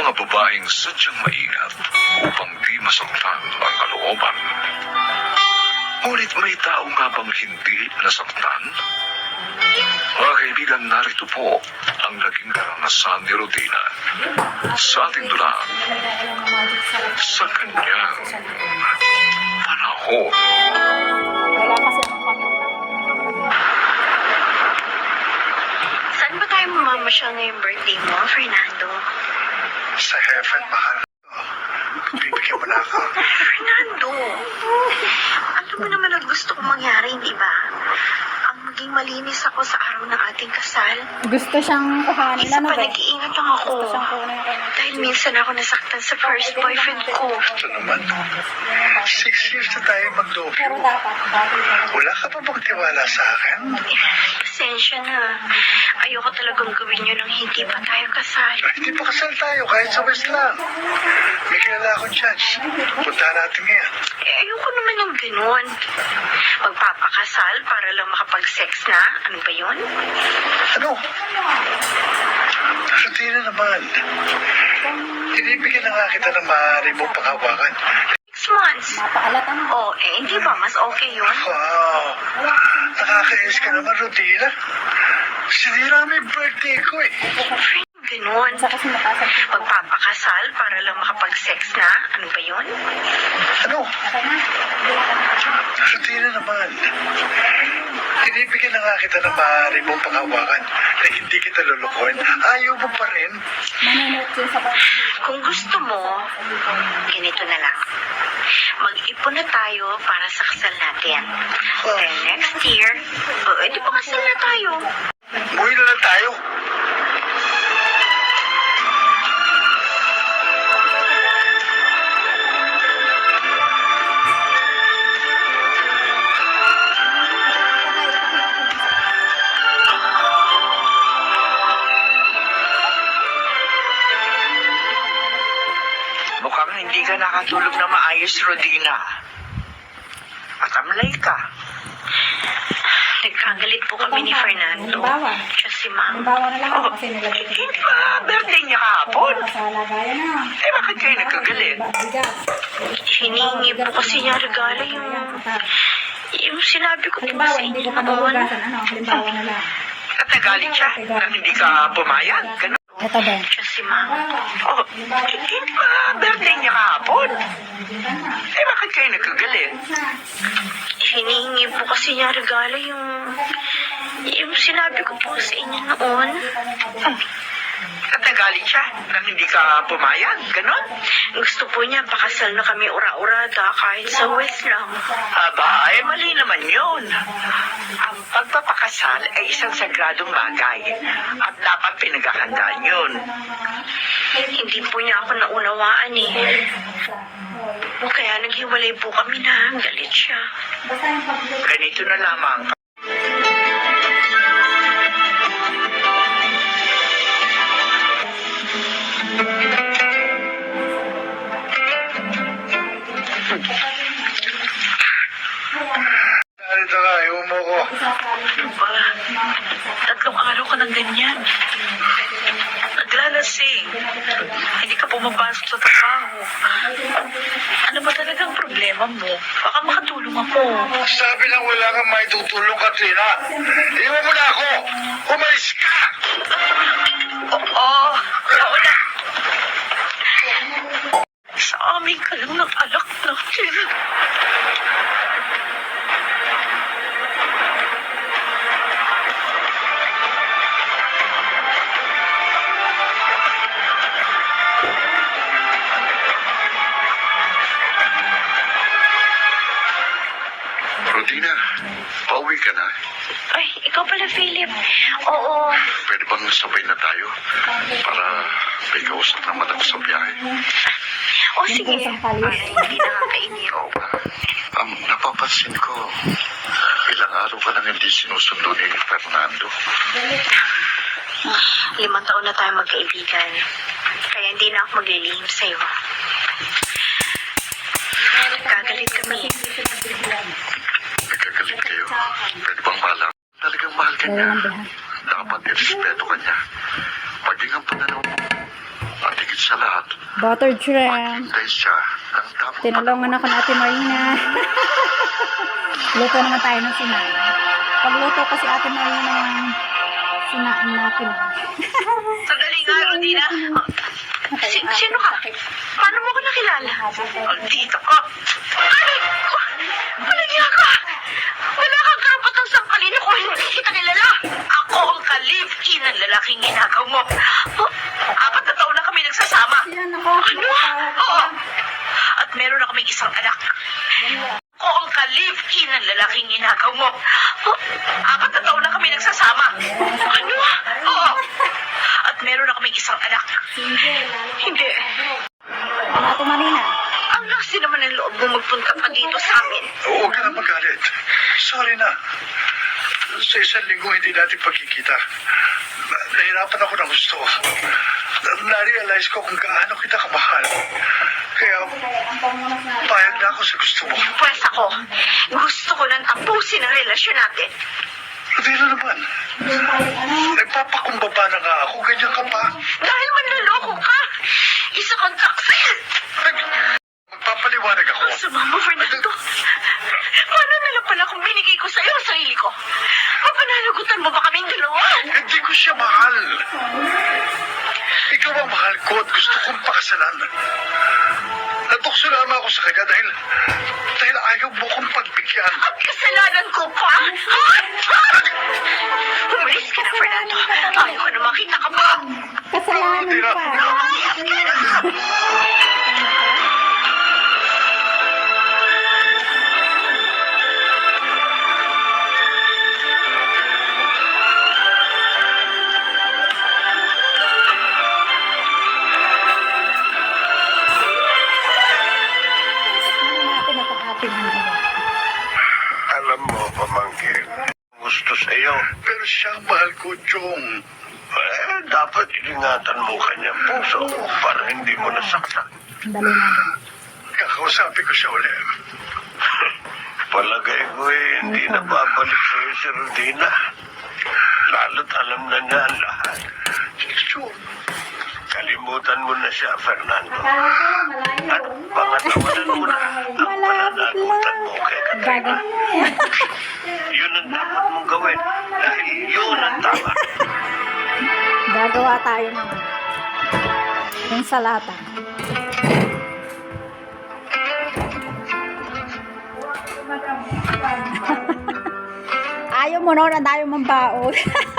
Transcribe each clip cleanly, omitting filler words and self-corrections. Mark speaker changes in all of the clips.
Speaker 1: mga babaeng sadyang maingat upang di masaktan ang kalooban. Ngunit may tao nga bang hindi nasaktan? Mga kaibigan, narito po ang naging karanasan ni Rodina sa ating dulang sa kanyang panahon.
Speaker 2: Wala kasi akong pamilya.
Speaker 3: Saan ba tayo mamamasyal ngayong birthday mo, Fernando?
Speaker 4: Sa heaven, mahal. Bibigyan mo na ako.
Speaker 3: Fernando! Alam mo naman ang gusto kong mangyari, hindi ba? Ang maging malinis ako sa araw ng ating kasal.
Speaker 2: Gusto siyang kuhanin.
Speaker 3: Isa
Speaker 2: Ano
Speaker 3: pa,
Speaker 2: ba?
Speaker 3: nag-iingat lang ako.
Speaker 2: Gusto siyang kuhanin yung kanya.
Speaker 3: Dahil minsan ako nasaktan sa first boyfriend ko.
Speaker 4: Ito naman. 6 years na tayo
Speaker 2: Pero
Speaker 4: mag-lobyo.
Speaker 2: dapat, bakit?
Speaker 4: Wala ka pa bang tiwala sa akin?
Speaker 3: Pasensya na. Ayoko talagang gawin yun nang hindi pa tayo kasal.
Speaker 4: Hindi pa kasal tayo kahit sa West lang. May kilala akong church. Punta natin ngayon.
Speaker 3: Ayoko naman ng ganun. Magpapakasal para lang makapag-sex na? Ano ba yun?
Speaker 4: Ano? Rutina naman. Tinibigyan na nga kita ng maaari mong panghawakan.
Speaker 3: 6 months.
Speaker 2: Mapaalata mo.
Speaker 3: Oh, hindi ba? Mas okay yun?
Speaker 4: Wow! Nakakainis ka naman, Rutina. Sinira mo yung birthday ko eh.
Speaker 3: Ganun.
Speaker 2: Sa kasi makasal.
Speaker 3: Magpapakasal para lang makapag-sex na? Ano ba yun?
Speaker 4: Ano?
Speaker 2: Okay na.
Speaker 4: Rutina naman. Tinibigyan na nga kita ng maaari mong panghawakan na hindi kita lulukuhin. Ayaw mo pa rin.
Speaker 2: Manunod yun sa pag-
Speaker 3: Kung gusto mo, ganito na lang. Mag-ipon na tayo para sa kasal natin. Then next year, di pa kasal na tayo.
Speaker 4: Umuwi na lang tayo.
Speaker 5: Mukhang hindi ka nakatulog na maayos, Rodina. At amlay ka.
Speaker 3: Nagkagalit po kami ni Fernando.
Speaker 2: Halimbawa.
Speaker 3: Siya si Ma'am.
Speaker 2: Halimbawa na lang ako kasi nilagay ko.
Speaker 5: Hindi ba birthday niya kahapon?
Speaker 2: Sa lagayan na.
Speaker 5: Eh, bakit kayo nagkagalit?
Speaker 2: Bigas.
Speaker 3: Hiningi po kasi niya regalo yung sinabi ko po
Speaker 2: Halimbawa,
Speaker 3: sa
Speaker 2: hindi
Speaker 3: inyo
Speaker 2: ko pa
Speaker 3: noon.
Speaker 2: mabugasan. Ano? Halimbawa na lang.
Speaker 5: At nagalit siya nang hindi ka pumayag. Ganun.
Speaker 2: Ito ba?
Speaker 3: Siya si Ma'am.
Speaker 5: Oh, hindi ba birthday niya kahapon? Eh, bakit kayo nagkagalit?
Speaker 3: Hiningi po kasi niya regalo yung sinabi ko po sa inyo noon.
Speaker 5: At nagalit siya nang hindi ka pumayag. Ganun.
Speaker 3: Gusto po niya pakasal na kami ura-urada kahit sa West lang.
Speaker 5: Aba, eh mali naman yun. Ang pagpapakasal ay isang sagradong bagay at dapat pinaghahandaan yun.
Speaker 3: Hindi po niya ako naunawaan eh. Kaya naghiwalay po kami na galit siya.
Speaker 2: Basta yung pag-
Speaker 5: Ganito na lamang.
Speaker 4: Narito ka, iwan mo ko.
Speaker 3: Tatlong araw ka ng ganyan. Naglalasing. Hindi ka pumapasok sa trabaho. Ano ba talagang problema mo? Baka makatulong ako.
Speaker 4: Sabi lang wala kang may tutulong, Katrina. Iwan mo na ako. Umalis ka!
Speaker 3: Oo na. Sa amin ka lang ng alak natin.
Speaker 1: Rodina, pauwi ka na.
Speaker 3: Ay, ikaw pala, Philip. Oo.
Speaker 1: Pwede bang sabay na tayo para may kausap naman ako sa biyahe?
Speaker 3: O, sige. Para hindi nakakainip.
Speaker 1: Oo ba? Napapansin ko, ilang araw ka nang hindi sinusundo ni Fernando.
Speaker 3: 5 taon na tayo magkaibigan. Kaya hindi na ako maglilihim sa'yo. Gagalit kami.
Speaker 1: Nagkagalit kayo. Pwede bang malam? Talagang mahal ka niya. Dapat irespeto ka niya. Maging ang pananaw mo. At higit higit sa lahat,
Speaker 2: Buttered shrimp.
Speaker 1: maghintay siya ng tamang
Speaker 2: Tinulungan ako ng Ate Marina. Luto naman tayo ng sinain. Pagluto ko si Ate Marina ng sinain natin.
Speaker 3: Sandali nga, Rodina. Sino ka? Paano mo ko nakilala? Dito ka. Ay! Malagya ka! Wala kang karapatang sangkalin ako. Hindi kita kilala. Ako ang ka-live-in ng lalaking ginagaw mo. 4 na taon na kami nagsasama.
Speaker 2: Yan ako.
Speaker 3: Ano? Oo. At meron na kaming isang anak. Ako ang ka-live-in ng lalaking ginagaw mo. 4 na taon na kami nagsasama. Ano? Oo. At meron na kaming isang anak. Hindi.
Speaker 2: Ano Ate Marina?
Speaker 3: Ang lakas naman ng loob mo magpunta pa dito sa amin.
Speaker 4: Huwag ka na magalit. Sorry na. Sa isang linggo hindi natin pagkikita. Nahirapan ako ng gusto. Na-realize ko kung gaano kita kamahal. Kaya
Speaker 2: Ang pamunas na.
Speaker 4: payag na ako sa gusto mo.
Speaker 3: Pwes ako, gusto ko nang tapusin ang relasyon natin.
Speaker 4: Rodina naman.
Speaker 2: Yung tayo, ano?
Speaker 4: Nagpapakumbaba na nga ako. Ganyan ka pa.
Speaker 3: Dahil manloloko ka. Isa kang taksil.
Speaker 4: Magpapaliwanag ako.
Speaker 3: Ang sama mo, Fernando. Paano na lang pala kung binigay ko sa'yo ang sarili ko? Mapananagutan mo ba kaming dalawa?
Speaker 4: Hindi ko siya mahal. Ikaw ang mahal ko at gusto kong pakasalan. Natukso lamang ako sa kanya dahil ayaw mo kong pagbigyan.
Speaker 3: At kasalanan ko pa? Umalis ka na, Fernando. Ayaw ko na makita ka pa.
Speaker 2: Kasalanan pa.
Speaker 3: Umayas ka na.
Speaker 2: Ano natin at ang ating ano?
Speaker 6: Alam mo, pamangkin, gusto sa'yo.
Speaker 4: Pero siya ang mahal ko, Chong.
Speaker 6: Dapat ingatan mo kanyang puso para hindi mo nasaktan.
Speaker 2: Dali natin.
Speaker 4: Kakausapin ko siya ulit.
Speaker 6: Palagay ko hindi na babalik sa'yo si Rodina. Lalo't alam na niya ang lahat.
Speaker 4: Chong,
Speaker 6: Kalimutan mo na siya, Fernando.
Speaker 2: Akala ko malayo.
Speaker 6: At pangatawanan mo na ang pananagutan mo kay Katrina.
Speaker 2: Gagawin mo yan.
Speaker 6: Yun ang dapat mong gawin dahil yun ang tama.
Speaker 2: Gagawa tayo ng yung salata. Ayaw mo noon, ang dami mong baon.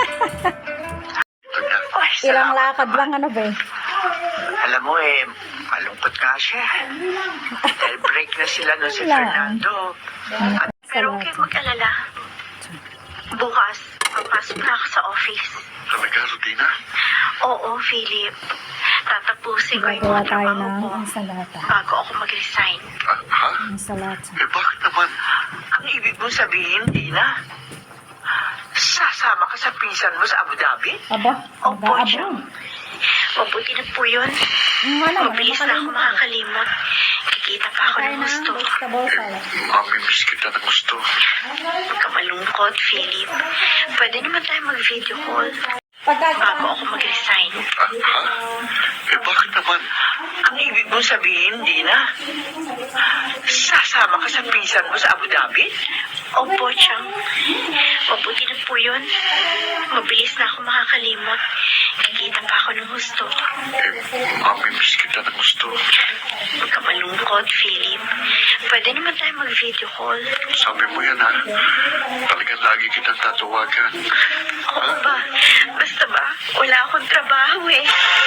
Speaker 3: Ay,
Speaker 2: Ilang
Speaker 3: salamat
Speaker 2: lakad
Speaker 3: naman.
Speaker 2: lang, ano ba?
Speaker 5: Alam mo malungkot nga siya. Dahil break na sila no si
Speaker 2: Wala.
Speaker 5: Fernando.
Speaker 3: Pero huwag kayong mag-alala. Bukas, papasok na ako sa office.
Speaker 1: Talaga, Rodina?
Speaker 3: Oo, Philip. Tatapusin ko yung
Speaker 2: Gagawa
Speaker 3: mga
Speaker 2: tayo
Speaker 3: trabaho
Speaker 2: ng
Speaker 3: ko
Speaker 2: ang salata.
Speaker 3: bago ako mag-resign.
Speaker 1: Ha?
Speaker 2: Ang salata.
Speaker 1: Bakit naman?
Speaker 5: Ang ibig mong sabihin, Dina, sasama ka sa pinsan mo sa Abu Dhabi?
Speaker 2: Aba,
Speaker 3: Opo, siya.
Speaker 2: mag-aabang.
Speaker 3: Mabuti na po yun.
Speaker 2: Wala,
Speaker 3: Mabilis na ako makakalimot. Kikita pa ako
Speaker 2: Tayo
Speaker 3: ng
Speaker 2: ng
Speaker 3: gusto.
Speaker 2: vegetable salad.
Speaker 1: Mamimiss kita ng gusto.
Speaker 3: Huwag ka malungkot, Philip. Pwede naman tayo mag-video call
Speaker 2: Pagka,
Speaker 3: bago ako mag-resign.
Speaker 1: Ha? Bakit naman?
Speaker 5: Ang ibig mong sabihin, Dina, sasama ka sa pinsan mo sa Abu Dhabi?
Speaker 3: Opo, Chang. Mabuti na po yun. Mabilis na ako makakalimot. Kikita pa ako ng gusto.
Speaker 1: Mamimiss kita ng gusto.
Speaker 3: Huwag ka malungkot, Philip. Pwede naman tayo mag-video call.
Speaker 1: Sabi mo yan, ha? Talagang lagi kitang tatawagan.
Speaker 3: Oo ba? Basta ba, wala akong trabaho eh.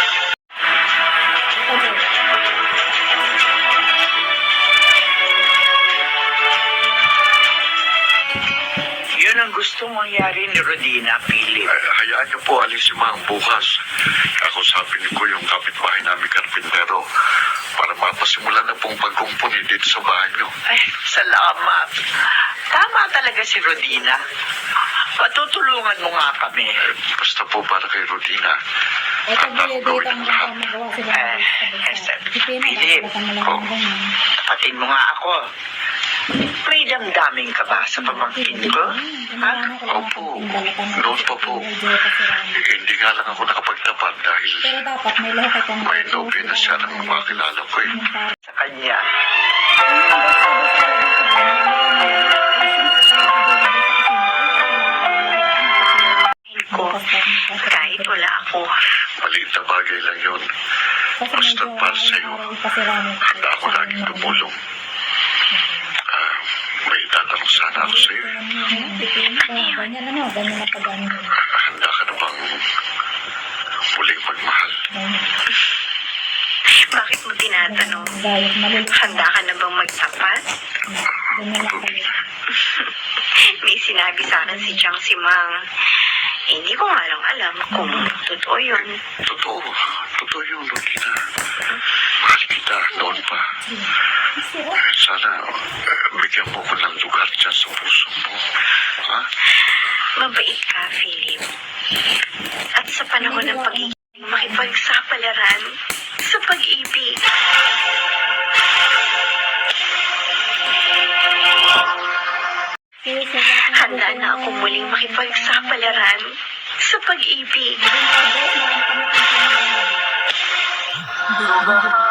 Speaker 5: Yun ang gustong mangyari ni Rodina, Philip.
Speaker 1: Hayaan niyo po alis si Mang bukas. Kakusapin ko yung kapitbahay namin karpintero para mapasimulan na pong pagkumpuni dito sa bahay niyo.
Speaker 5: Ay, salamat. Tama talaga si Rodina. Patutulungan mo nga kami.
Speaker 1: Basta po para kay Rodina.
Speaker 2: ito
Speaker 1: Handa
Speaker 2: dito
Speaker 1: akong
Speaker 2: ang
Speaker 1: gawin ang lahat.
Speaker 2: magawa sila.
Speaker 5: Philip. Tapatin mo nga ako. May damdamin ka ba sa pamangkin ko? Ha?
Speaker 1: Opo. Noon pa po. Hindi nga lang ako nakapagtapat dahil Dahil
Speaker 2: Pero dapat may lahat itong
Speaker 1: may nobya na siya ng mga kilala ko eh.
Speaker 5: Sa kanya.
Speaker 3: Ko, kahit wala ako.
Speaker 1: Maliit na bagay lang yun. Basta para sa'yo, handa ako laging tumulong. May tatanong sana ako sa'yo.
Speaker 2: Ganyan ano, ganyan na pag-ano.
Speaker 1: Handa ka na bang muling magmahal?
Speaker 3: Bakit mo tinatanong?
Speaker 2: Gayat maliit.
Speaker 3: Handa ka na bang magtapat?
Speaker 2: Ganyan lang pala.
Speaker 3: May sinabi sa akin si Chang Simang. Hindi ko nga lang alam kung totoo yun.
Speaker 1: Totoo. Totoo yun, Lorena. Mahal kita noon pa. Sana bigyan mo ko ng lugar dyan sa puso mo. Ha?
Speaker 3: Mabait ka, Philip. At sa panahon ng pagiging makipagsapalaran sa pag-ibig. Handa na ako muling makipagsapalaran sa pag-ibig.
Speaker 2: Hindi